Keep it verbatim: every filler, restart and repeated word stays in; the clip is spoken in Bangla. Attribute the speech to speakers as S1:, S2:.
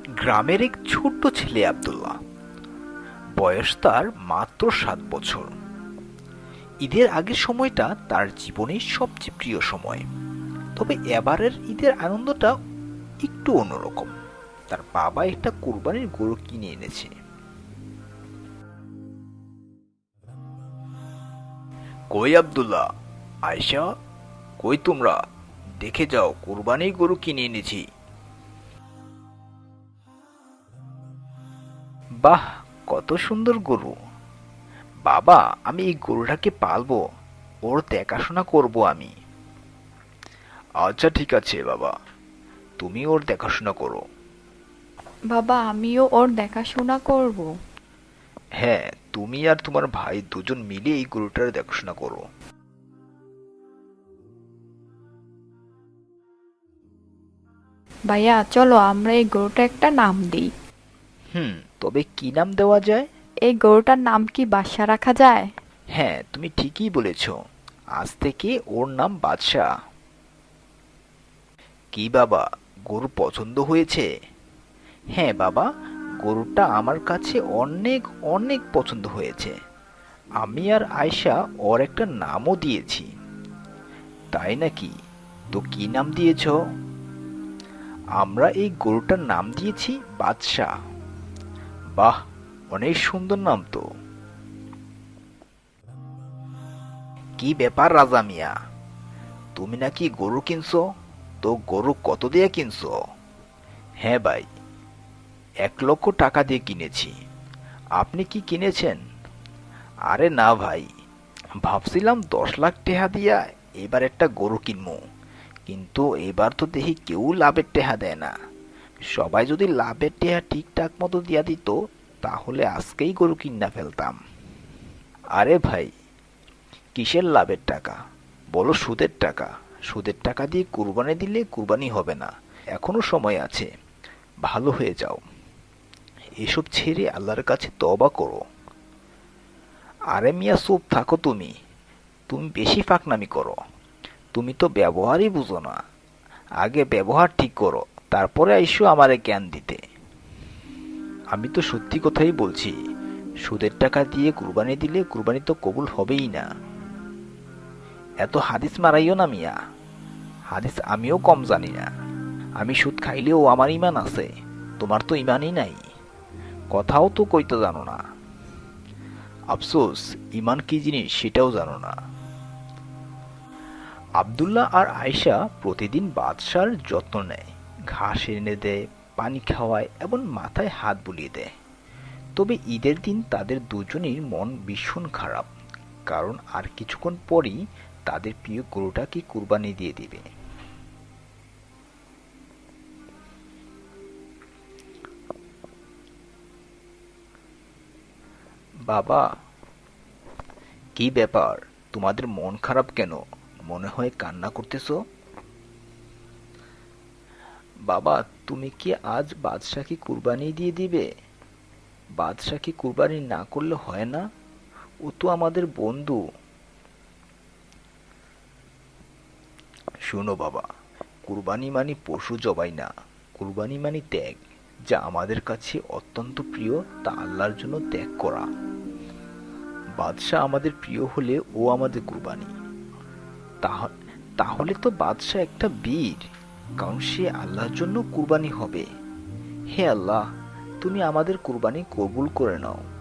S1: গ্রামের এক ছোট্ট ছেলে আব্দুল্লাহ। বয়স তার মাত্র সাত বছর। ঈদের আগের সময়টা তার জীবনের সবচেয়ে প্রিয় সময়। তবে এবারের ঈদের আনন্দটা একটু অন্যরকম। তার বাবা একটা কোরবানির গরু কিনে এনেছে। কই আব্দুল্লাহ, আয়শা, কই তোমরা? দেখে যাও, কোরবানির গরু কিনে এনেছি। বাহ, কত সুন্দর গরু! বাবা, আমি এই গরুটাকে পালবো, ওর দেখাশোনা করব আমি। আচ্ছা ঠিক আছে বাবা, তুমি ওর দেখাশোনা করো।
S2: বাবা, আমিও ওর দেখাশোনা করব।
S1: হ্যাঁ, তুমি আর তোমার ভাই দুজন মিলে এই গরুটার দেখাশোনা করো।
S2: ভাইয়া, চলো আমরা এই গরুটা একটা নাম দিই।
S1: হুম, তবে কি নাম দেওয়া যায়?
S2: এই গরুটার নাম কি বাদশা রাখা যায়?
S1: হ্যাঁ, তুমি ঠিকই বলেছ। আজ থেকে ওর নাম বাদশা। কি বাবা, গরু পছন্দ হয়েছে? হ্যাঁ বাবা, গরুটা আমার কাছে অনেক অনেক পছন্দ হয়েছে। আমি আর আয়শা ওর একটা নামও দিয়েছি। তাই নাকি? তো কি নাম দিয়েছ? আমরা এই গরুটার নাম দিয়েছি বাদশা। বাহ, অনেক সুন্দর নাম তো। কি ব্যাপার রাজা মিয়া, তুমি নাকি গরু কিনছো? তো গরু কত দিয়ে কিনছো? হ্যাঁ ভাই, এক লক্ষ টাকা দিয়ে কিনেছি। আপনি কি কিনেছেন? আরে না ভাই, ভাবছিলাম দশ লাখ টেহা দিয়া এবার একটা গরু কিনবো, কিন্তু এবার তো দেখি কেউ লাভের টেহা দেয় না। সবাই যদি লাভের টেহা ঠিকঠাক মতো দিয়া দিত, তাহলে আজকেই গরু কিনা ফেলতাম। আরে ভাই, কিসের লাভের টাকা? বলো সুদের টাকা। সুদের টাকা দিয়ে কুরবানি দিলে কুরবানি হবে না। এখনো সময় আছে, ভালো হয়ে যাও। এসব ছেড়ে আল্লাহর কাছে তওবা করো। আরে মিয়া, চুপ থাকো তুমি। তুমি বেশি ফাঁকনামি করো। তুমি তো ব্যবহারই বুঝো না। আগে ব্যবহার ঠিক করো, তারপরে আইসো আমারে জ্ঞান দিতে। আমি তো সত্যি কথাই বলছি। সুদের টাকা দিয়ে কুরবানি দিলে কুরবানি তো কবুল হবেই না। এত হাদিস মারাইও না মিয়া। হাদিস আমিও কম জানি না। আমি সুদ খাইলেও আমার ইমান আছে, তোমার তো ইমানই নাই। কথাও তো কইতে জানো না। আফসোস, ইমান কি জিনিস সেটাও জানো না। আব্দুল্লাহ আর আয়শা প্রতিদিন বাদশার যত্ন নেয়। ঘাস এনে দেয়, পানি খাওয়ায় এবং মাথায় হাত বুলিয়ে দেয়। তবে ঈদের দিন তাদের দুজনের মন ভীষণ খারাপ, কারণ আর কিছুক্ষণ পরই তাদের প্রিয় গরুটাকে কুরবানি দিয়ে দিবে। বাবা, কি ব্যাপার? তোমাদের মন খারাপ কেন? মনে হয় কান্না করতেছো। বাবা, তুমি কি আজ বাদশাকে কুরবানি দিয়ে দিবে? বাদশাকে কুরবানি না করলে হয় না? ও তো আমাদের বন্ধু। শোনো বাবা, কুরবানি মানে পশু জবাই না। কুরবানি মানে ত্যাগ। যা আমাদের কাছে অত্যন্ত প্রিয় তা আল্লাহর জন্য ত্যাগ করা। বাদশা আমাদের প্রিয় হলে ও আমাদের কুরবানি। তাহ- তাহলে তো বাদশা একটা বীর, কারণ সে আল্লাহর জন্য কুরবানি হবে। হে আল্লাহ, তুমি আমাদের কুরবানি কবুল করে নাও।